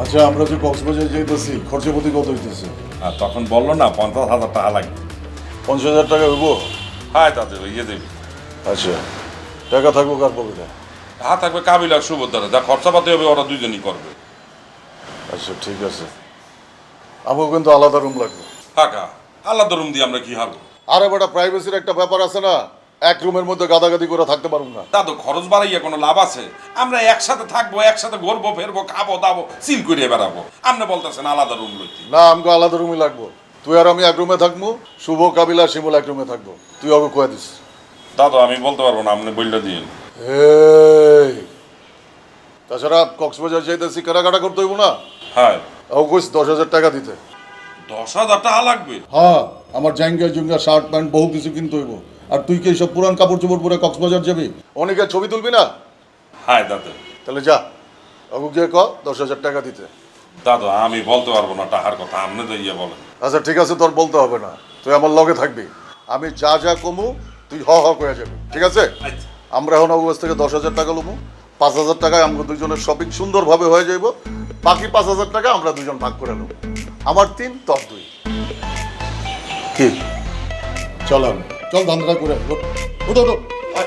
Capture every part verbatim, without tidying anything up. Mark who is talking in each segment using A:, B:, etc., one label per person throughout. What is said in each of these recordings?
A: আচ্ছা আমরা যে কক্সবাজার যাইতেছি খরচাপাতি কত হইতেছে?
B: আর তখন বললো না পঞ্চাশ হাজার টাকা লাগবে।
A: পঞ্চাশ হাজার টাকা হইব?
B: হ্যাঁ তাতে ইয়ে দেবে।
A: আচ্ছা টাকা থাকবো কার পকেটে?
B: হ্যাঁ থাকবে কাবিল আর সুভদ্রা, যা খরচাপাতি হবে ওরা দুজনই করবে।
A: আচ্ছা ঠিক আছে, আমাকে কিন্তু আলাদা রুম লাগবে।
B: টাকা আলাদা রুম দিয়ে আমরা কি হারবো?
A: আরে বেটা প্রাইভেসির একটা ব্যাপার আছে না, এক রুমের মধ্যে গাদাগাদি করে থাকতে পারুম না।
B: তা তো খরচ বাড়াইয়া কোনো লাভ আছে? আমরা একসাথে থাকবো, একসাথে ঘুরবো ফেরবো, খাবো দাবো, চিল করে বেড়াবো। আপনি বলতেছেন আলাদা রুম লইতে?
A: না আমাকে আলাদা রুমই লাগবো। তুই আর আমি এক রুমে থাকবো, শুভ কাবিলা শিমুল এক রুমে থাকবো। তুই ওকে কয়ে দিস।
B: দাদা আমি বলতে পারবো না, আপনি বললে দিন।
A: এই তাছাড়া কক্সবাজার যাইতেছি কেনাকাটা করতে হইব না?
B: হ্যাঁ।
A: ও কইস দশ হাজার টাকা দিতে।
B: দশ হাজার টাকা লাগবে?
A: হ্যাঁ আমার জাঙ্গা জুঙ্গা শার্ট প্যান্ট বহু কিছু কিনতে হইব। আর তুই কি সব পুরান কাপড় চোপড় পরে কক্সবাজার যাবি? অনেকের ছবি তুলবি না?
B: হ্যাঁ দাদা।
A: তাহলে যা ওকে গিয়ে ক দশ হাজার টাকা দিতে।
B: দাদা আমি বলতে পারবো না টাকার কথা, আপনি তো ইয়ে বলেন।
A: আচ্ছা ঠিক আছে, তোর বলতে হবে না, তুই আমার লগে থাকবি। আমি যা যা কমু তুই হ হ করে যাবি, ঠিক আছে?
B: আচ্ছা।
A: আমরা এখন অবস্থা থেকে দশ হাজার টাকা লমু। পাঁচ হাজার টাকায় আমাকে দুজনের শপিং সুন্দরভাবে হয়ে যাইব। বাকি পাঁচ হাজার টাকা আমরা দুজন ভাগ করে নেব। আমার তিন তোর দুই। কি চল আমি চল ধান্দা করে আয়। ওঠ, ওঠ, ওঠ, আয়।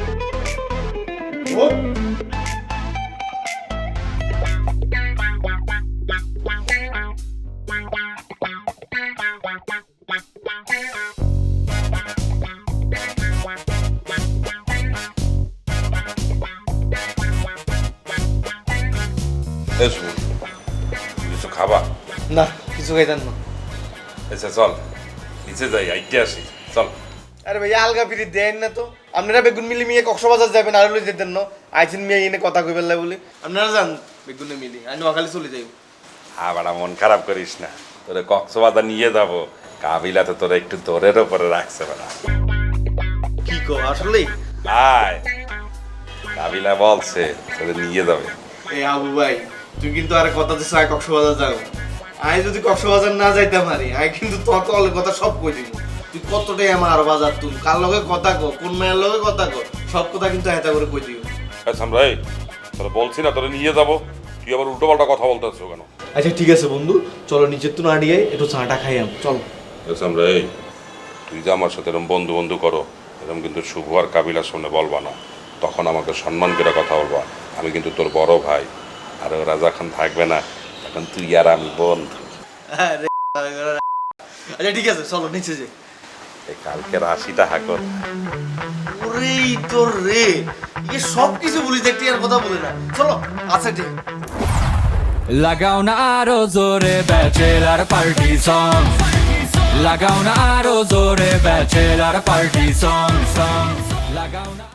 A: ওঠ।
B: এসো কিছু খাবা?
C: না কিছু খাইতেন না।
B: আচ্ছা চল নিচে যাই, আইতে আসি চল।
C: আরে ভাই আলগা ফিরি দেন না তো। আপনারা বেগুন মিলি মিয়ে কক্সবাজার যাবেন আর লই যেতেন না। আইছেন মিয়া এনে কথা কই বেলা বলি। আপনারা যান বেগুনে মিলি, আমি নোয়াখালী চলে যাইব।
B: আবার মন খারাপ করিস না, তোরে কক্সবাজার নিয়ে যাবো। কাবিলা তো তোরা একটু দৌড়ের উপরে রাখছে বেড়া।
C: কি কো আসলেই?
B: আয় কাবিলা বলছে তোরে নিয়ে যাবে।
C: এই আবু ভাই তুই কিন্তু আর কথা দিছ আয় কক্সবাজার যাও। আই যদি কক্সবাজার না যাইতাম আরে আই কিন্তু তোর কল কথা সব কই দিব। তুই কতটাই আমার বাজার তুই কার লগে কথা কো, কোন মায়ের লগে কথা কো, সব কথা কিন্তু হেতা করে কই দিও।
B: আচ্ছা আমরা এই তোরা বলছি না তোরে নিয়ে যাবো, তুই আবার উল্টো পাল্টা কথা বলতেছো কেন?
C: আচ্ছা ঠিক আছে বন্ধু, চলো নিচের তো না দিয়ে একটু চাটা খাইয়াম চল।
B: আচ্ছা আমরা এই তুই যে আমার সাথে এরকম বন্ধু বন্ধু করো, এরকম কিন্তু শুভ আর কাবিলার সামনে বলবা না। তখন আমাকে সম্মান করে কথা বলবা। আমি কিন্তু তোর বড় ভাই, আর ওরা যখন থাকবে না তখন তুই আর আমি বন্ধু।
C: আচ্ছা ঠিক আছে চলো নিচে যাই।
B: এই কালকে রাশিটা হাকর
C: ওরে তোর রে এ সব কিছু বলি দেখতে আর কথা বলে না। চলো আচ্ছা ঠিক।
D: লাগাও না আরো জোরে ব্যাচেলার পার্টি সং, লাগাও না আরো জোরে ব্যাচেলার পার্টি সং সং লাগাও না।